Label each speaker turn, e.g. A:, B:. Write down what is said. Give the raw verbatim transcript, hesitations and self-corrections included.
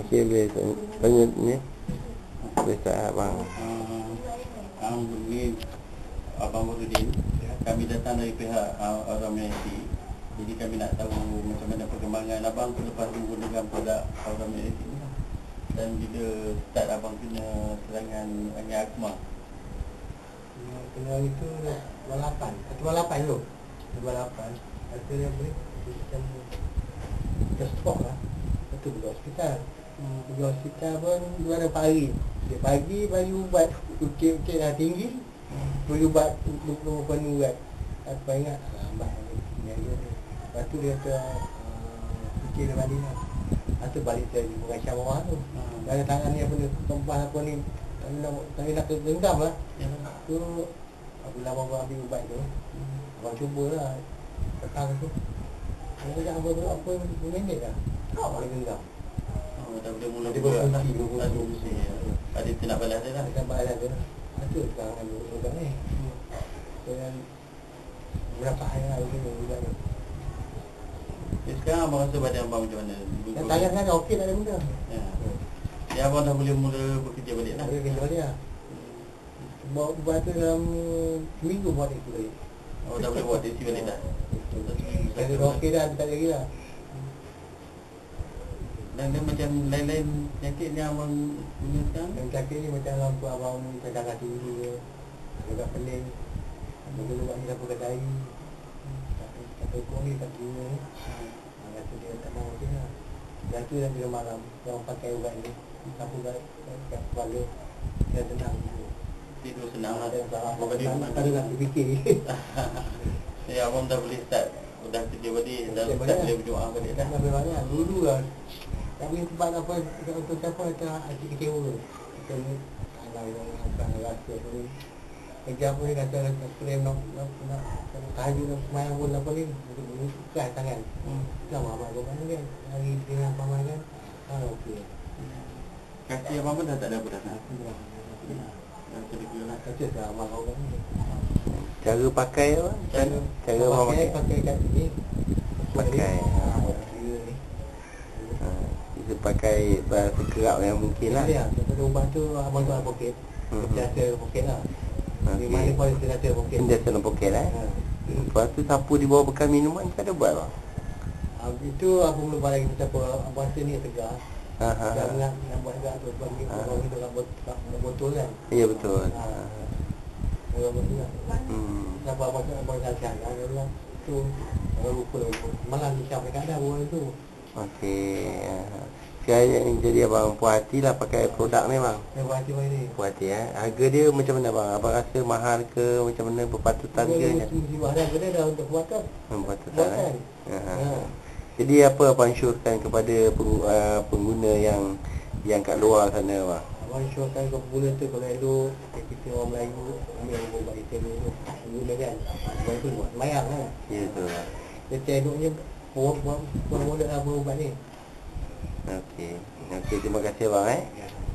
A: Okey, boleh tanya ni. Boleh tak abang?
B: Uh, Abang ni Abang Murudin. Kami datang dari pihak uh, Aura Amenity. Jadi kami nak tahu macam mana perkembangan abang selepas menggunakan produk Aura Amenity ni. Dan bila start abang kena serangan angin akma.
C: Kena itu dua lapan. dua lapan tu. dua lapan. Kata dia boleh macam kita stok lah. Lepas tu pergi hospital. Hmm, pergi hospital pun dua empat hari. Dia pagi bagi ubat ukit-ukit dah tinggi. Bagi ubat dua puluh penuh ubat. Apa ingat? Lambat dia dia. Lepas tu dia kata uh, fikir dia balik lah. Lepas tu balik saya di Bukan Syawah tu. Hmm. Dari tangan ni apa ni, kempah apa ni, tak nak, tak nak genggam lah. Ya. Tu apabila abang ambil ubat tu, hmm. abang cubalah petang tu. Dia dah apa apa minit dah. Tak boleh genggam.
B: Oh, dah boleh mula
C: dia
B: buat.
C: berfungsi, berfungsi.
B: Ada tu nak balas dia lah.
C: Dia nak balas dia lah. Itu sekarang ambil ubat ni. Dan berapa hari lah ubat tu.
B: Jadi sekarang abang rasa badan abang macam mana?
C: Dan tangan kan okey tak ada benda.
B: Ya. Jadi abang dah boleh mula bekerja balik lah.
C: Boleh kerja balik lah. Buat ubat tu dalam seminggu buat itu balik.
B: Oh, dah boleh buat tesi balik dah.
C: Saya dah okey dah, tak lagi lah.
B: Dan dia macam lain-lain penyakit ni abang punya sekarang?
C: Dan penyakit ni macam lampu abang ni, darah tinggi ke, agak pening. Mungkin ubat ni dah pun kedai. Kata ukur ni tak guna ni. Kata dia tak mahu je lah. Dan tu dah bila malam, orang pakai ubat ni, lampu kat keluarga, dia tenang.
B: Tidur senang lah.
C: Abang dia tak ada nak fikir.
B: Ya, abang dah boleh start. Dah kerja balik, dah start boleh berdoa balik dah.
C: Dah banyak. Dulu lah. Tak boleh tempat apa, untuk siapa kata hati kecewa. Kita ni, alah yang akan rasa apa ni. Kerja apa ni kata, klaim nak, nak, nak, tahajud nak semayang pun apa ni. Untuk ikhlas tangan. Dah abang abang mana kan. Hari dengan paman kan. Ah, okey.
B: Kaki abang pun dah tak ada apa dah.
C: Aku dah.
B: Dah terlega lah.
C: Kata dah abang kau kan.
A: Cara pakai apa?
B: Cara
A: Cara abang
C: pakai.
A: pakai.
C: Pakai kat sini.
A: Pakai. Kita pakai bahasa kerap yang mungkin lah.
C: Ya, daripada ubat tu abang tu ada poket. Dia ada poket lah. Di mana pun dia ada poket.
A: Dia ada poket lah. Lepas tu sapu di bawah bekal minuman tak ada buat lah.
C: Itu aku belum balik kita apa abang rasa ni tegar.
A: Ha ha.
C: Dah nak nak buat juga tu bagi abang kita kat botol kan.
A: Ya betul.
C: Ha. Orang buat.
A: Hmm.
C: Siapa abang abang kasihan kan dia tu. Kalau lupa malam ni siapa kat dah buat tu.
A: Okey. Saya yang jadi abang puas hati lah pakai produk ni bang.
C: Saya buat hati ni.
A: Puas hati eh. Harga dia macam mana bang? Abang rasa mahal ke macam mana berpatutan ke?
C: Mesti mahal dia dah untuk buatan.
A: Berpatutan. Eh? Ha. Jadi apa abang syorkan kepada pengguna yang yang kat luar sana bang?
C: Abang syorkan ke pengguna tu kalau elok kita orang Melayu ambil ubat item tu guna kan. Ubat tu buat semayang kan.
A: Ya betul.
C: Dia eloknya buat buat buat ubat ni.
A: Okey. Okey, terima kasih bang eh.